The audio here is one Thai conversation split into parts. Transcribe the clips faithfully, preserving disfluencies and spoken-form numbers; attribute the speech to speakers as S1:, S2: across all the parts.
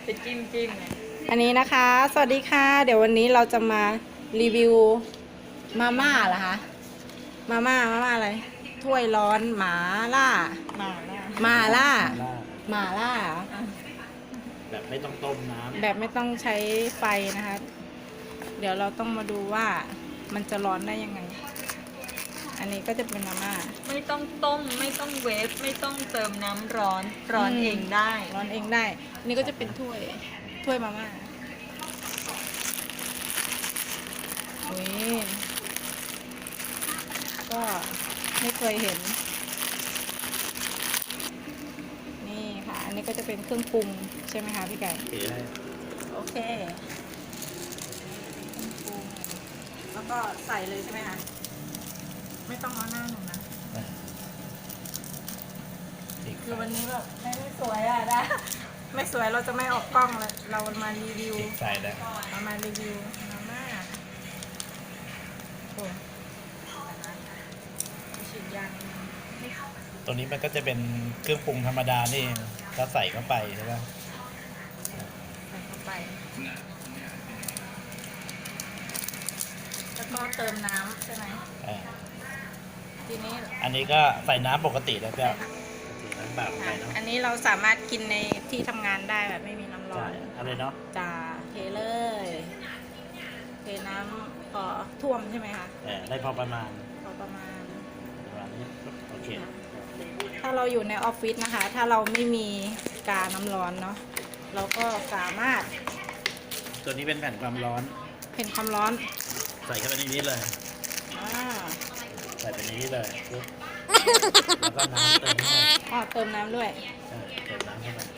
S1: ไปจิ้มจิ้มเลย
S2: อันนี้นะคะ สวัสดีค่ะ เดี๋ยววันนี้เราจะมารีวิวมาม่าเหรอคะ มาม่า มาม่าอะไร ถ้วยร้อนหมาล่า
S1: มาแล้ว
S2: มาล่า
S3: ล่า
S2: หมาล่าเหรอ
S3: แบบไม่ต้องต้มน้ำ
S2: แบบไม่ต้องใช้ไฟนะคะ เดี๋ยวเราต้องมาดูว่ามันจะร้อนได้ยังไง อันนี้ก็จะเป็นมาม่า
S1: ไม่ต้องต้มไม่ต้องเวฟไม่ต้องเติมน้ำร้อนร้อน
S2: อืม
S1: เองได้
S2: ร้อนเองได้ อันนี้ก็จะเป็นถ้วย ถ้วยมาม่าอุ้ยก็ไม่เคยเห็น นี่ค่ะ อันนี้ก็จะเป็นเครื่องปรุงใช่ไหมคะพี่ไก่
S3: โอเคได้
S2: โอเคเครื่องปรุงแล้วก็ใส่เลยใช่ไหมคะ ไม่ต้องเอาหน้าหนูนะ
S3: อีก
S2: คือวันนี้แบบไม่ไม่สวยอ่ะนะ ไม่สวยเราจะไม่ออกกล้องเลยเรามารีวิว
S3: อีกใส่ได้
S2: เรามารีวิวมาม่าโอ้ฉีดยาง
S3: ตัวนี้มันก็จะเป็นเครื่องปรุงธรรมดานี่เองก็ใส่เข้าไปใช่ไหม
S2: ใส่เข้าไป แล้วก็เติมน้ำใช่ไหม
S3: อ่า
S2: ทีนี้
S3: อันนี้ก็ใส่น้ำปกติแล้วก็ใส่น้ำเปล่าไปเนาะ
S2: อันนี้เราสามารถกินในที่ทำงานได้แบบไม่มีน้ำร้อ
S3: ใช่
S2: น
S3: อะไรเนาะ
S2: จ่าเทเลยเทน้ำพอท่วมใช่ไหมคะ
S3: แต่ได้พอประมาณ
S2: พอประมาณ
S3: ประมาณนี้โอเค
S2: ถ้าเราอยู่ในออฟฟิศนะคะ ถ้าเราไม่มีกาน้ำร้อนเนาะเราก็สามารถ
S3: ตัวนี้เป็นแผ่นความร้อน
S2: เพ่นความร้อน
S3: ใส่เข้าไปในนี้เลย
S2: อ่า
S3: ใส่ไปในนี้เลยปุ๊บแล้วก็น้ำเติมเข้าไป
S2: อ๋อเติมน้ำด้วย
S3: ใช่เติมน้ำเข้าไป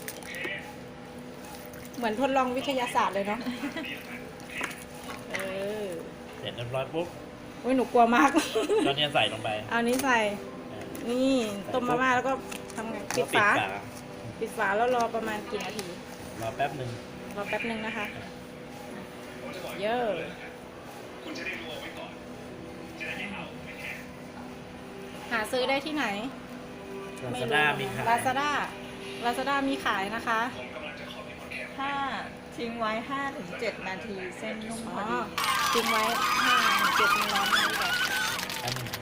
S2: เหมือนทดลองวิทยาศาสตร์เลยเนาะเออ
S3: เสร็จเรียบร้อยปุ๊บ
S2: อุ้ยหนูกลัวมาก
S3: ก็เนี่ยใส่ลงไป
S2: เอานี้ใส่
S3: อ่า
S2: นี่ต้มมาม่าแล้วก็ทำไงปิด
S3: ปิด
S2: ฝา
S3: ฝา
S2: ปิดฝาแล้วรอประมาณกี่นาที
S3: รอแป๊บหนึ่ง
S2: รอแป๊บนึงนะคะ เยอะหาซื้อได้ที่ไหน
S3: ลาซาด้ามีขาย
S2: ลาซาด้าลาซาด้ามีขายนะคะ
S1: ถ้าทิ้งไว้ ห้าถึงเจ็ด นาทีเส้นนุ่มพ
S2: อ๋
S1: อ
S2: อ
S1: ดี
S2: ทิ้งไว้ห้าถึงเจ็ดมันร้อนนี่แหละ
S3: แป๊บหนึง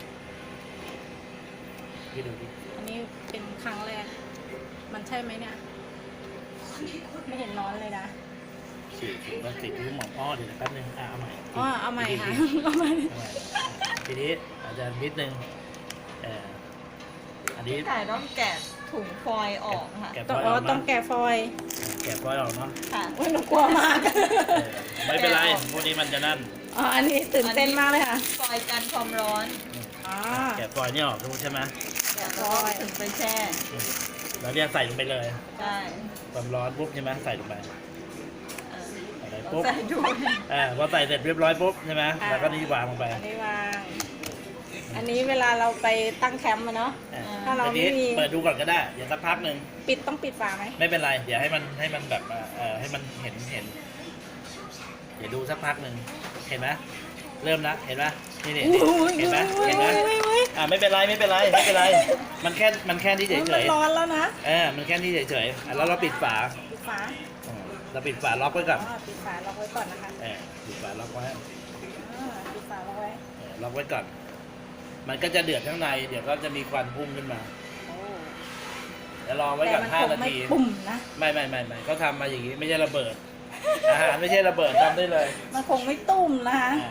S3: พี่ดูดิ
S2: อันนี้เป็นครั้งแรก มันใช่ไหมเนี่ย ไม่เห็นร้อนเลยนะ
S3: ฉีดถึงว่าติดที่หมอนอ้อเดี๋ยวนะแป๊บนึงอ่ะเอาใหม่
S2: อ๋อเอาใหม่
S3: ที
S2: ค่ะ
S3: นี้
S2: เอาใหม่
S3: เอาใหม่ทีนี้อาจจะนิดนึงเอ่ออันนี้
S1: พี่ไก่ต้องแกะถุงฟอยล์ออกค่ะ
S3: แกะฟ
S2: ต้อง
S3: อยล์
S2: อ๋
S3: อ
S2: อ
S3: อก
S2: ต้อง
S3: เนาะ
S2: แกะฟอยล์
S3: แกะฟอยล์ออกเนาะ
S1: ค่ะ
S2: โอ้ยหนูกลัวมาก
S3: เออไม่เป็นไรพวกนี้มันจะนั่น
S2: อ๋อ อันนี้ตื่นเต้นมากเลยค่ะ
S1: ฟอยล์กันความร้อน
S2: อ๋อ
S3: แกะฟอยล์นี่ออกรู้ใช่ไหม
S1: เดี๋ยวเราก็ถึงไปแช่
S3: แล้วเนี่ยใส่ลงไปเลย
S1: ใช่
S3: ความร้อนปุ๊บใช่ไหมใส่ลงไป
S1: เออ
S3: ใส่ไป
S1: เรา
S3: ปุ๊บ
S1: ใส่ด้วย
S3: อ่าพอใส่เสร็จเรียบร้อยปุ๊บใช่ไหมแล้วก็นี่วางลงไป
S2: อันนี้วาง อันนี้เวลาเราไปตั้งแคมป์อะเนาะ
S3: อ่
S2: ถ้าเรา
S3: ทีนี้
S2: ไม่มี
S3: เปิดดูก่อนก็ได้เดี๋ยวสักพักหนึ่ง
S2: ปิดต้องปิดฝาไหม
S3: ไม่เป็นไร เดี๋ยวให้มันให้มันแบบว่าเออให้มันเห็นเห็น เดี๋ยวดูสักพักหนึ่งเห็นไหมเริ่มละเห็นไหมนี่นี่นี่เห็นไหมเห็นไหมอ่าไม่เป็นไรไม่เป็นไรไม่เป็นไร มันแค่มันแค่ที่เฉ
S2: มั
S3: ย
S2: น
S3: เฉย
S2: ร้อนแล้วนะ
S3: เออมันแค่ที่เฉยเฉยๆอ่ะแล้วเราปิดฝา
S2: ปิดฝา
S3: อืมเราปิดฝาล็อกไว้ก่อน
S2: อ๋อ ปิดฝาล็อกไว้ก่อนนะคะ
S3: เออปิดฝาล็อกไว้
S2: อ่าปิดฝาล็อกไว้
S3: เออล็อกไว้ก่อน มันก็จะเดือดข้างในเดี๋ยวก็จะมีควันพุ่งขึ้นมา
S2: โอ้
S3: เดี๋ยวรอไว้
S2: แต่
S3: ก่อน
S2: มัน
S3: ห้า
S2: คง
S3: นา
S2: ไม่
S3: ที
S2: ปุ่มนะ
S3: ไม่ไม่ไม่ไม่เขาทำมาอย่างนี้ไม่ใช่ระเบิด อาหารไม่ใช่ระเบิดทำได้เลย
S2: มันคงไม่ตุ้มนะคะ
S3: อ่า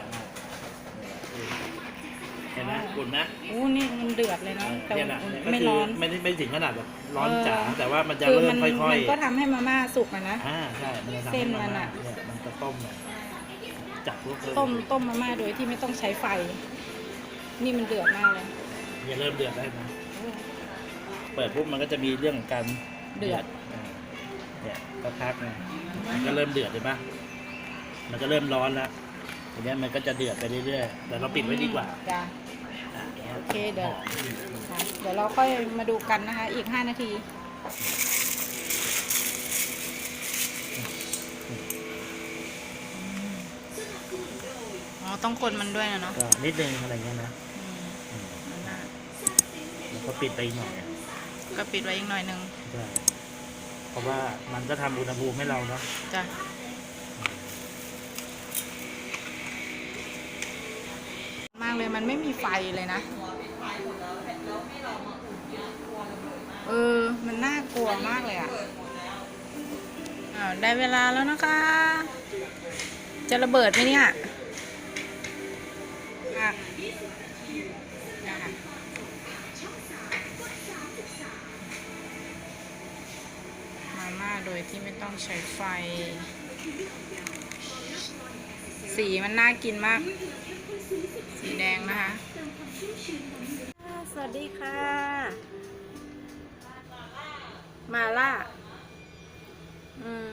S3: เห็นไหมอุ่นนะ
S2: อู้นี่มันเดือดเลยเนาะ แต่
S3: เนี่ย
S2: ว่า
S3: นะ
S2: ไม่ร้อน
S3: ไม่ได้ไม่ถึงขนาดแบบร้อน
S2: เออ
S3: จ๋าแต่ว่ามันจะ
S2: คือ
S3: เริ่
S2: มั
S3: มค่อย
S2: มันก็ทำให้มาม่าสุกอะนะ
S3: ๆอ่าใช่มันจะทำ
S2: เส้
S3: ให้
S2: น
S3: มา
S2: มัน
S3: ม่า
S2: อะ
S3: เนี่ยมันจะต้มเนี่ยจับลูกเลย
S2: ต้มต้มมาม่าโดยที่ไม่ต้องใช้ไฟ นี่มันเดือดมากเลย
S3: อย่าเริ่มเดือดได้นะเปิดปุ๊บมันก็จะมีเรื่องของการ
S2: เดือด
S3: อ่าเนี่ยก็พักนะมันก็เริ่มเดือดใช่ปะมันก็เริ่มร้อนแล้วทีเนี้ยมันก็จะเดือดไปเรื่อยๆแต่เราปิดไว้ดีกว่า
S2: จ้ะ
S3: อ่ะ
S2: โอเคเดี๋ยว
S3: หอม
S2: ค่ะเดี๋ยวเราค่อยมาดูกันนะคะ อีกห้านาที อ๋อ ต้องคนมันด้วยนะเนาะ
S3: ก็นิดนึงอะไรเงี้ยนะ
S2: อืม
S3: อืม
S2: นั่นน่ะ
S3: แล้วก็ปิดไปอีกหน่อย
S2: ก็ปิดไว้อีกหน่อยหนึง
S3: ใช่เพราะว่ามันก็ทำอุณหภูมิให้เราเนาะ
S2: จ้ะมากเลยมันไม่มีไฟเลยนะ เออ มันน่ากลัวมากเลยอ่ะอ้าวได้เวลาแล้วนะคะ จะระเบิดไหมเนี่ยอ่ะนะคะมาม่าโดยที่ไม่ต้องใช้ไฟ สีมันน่ากินมาก สีแดงนะคะ สวัสดีค่ะ มาล่า อืม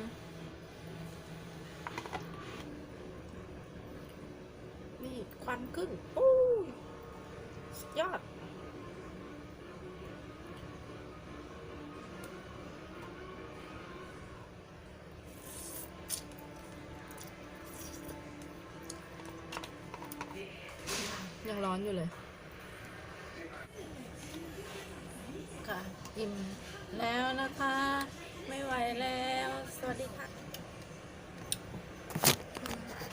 S2: นี่ควันขึ้นโอ้สุดยอด ยังร้อนอยู่เลย ค่ะ อิ่มแล้วนะคะ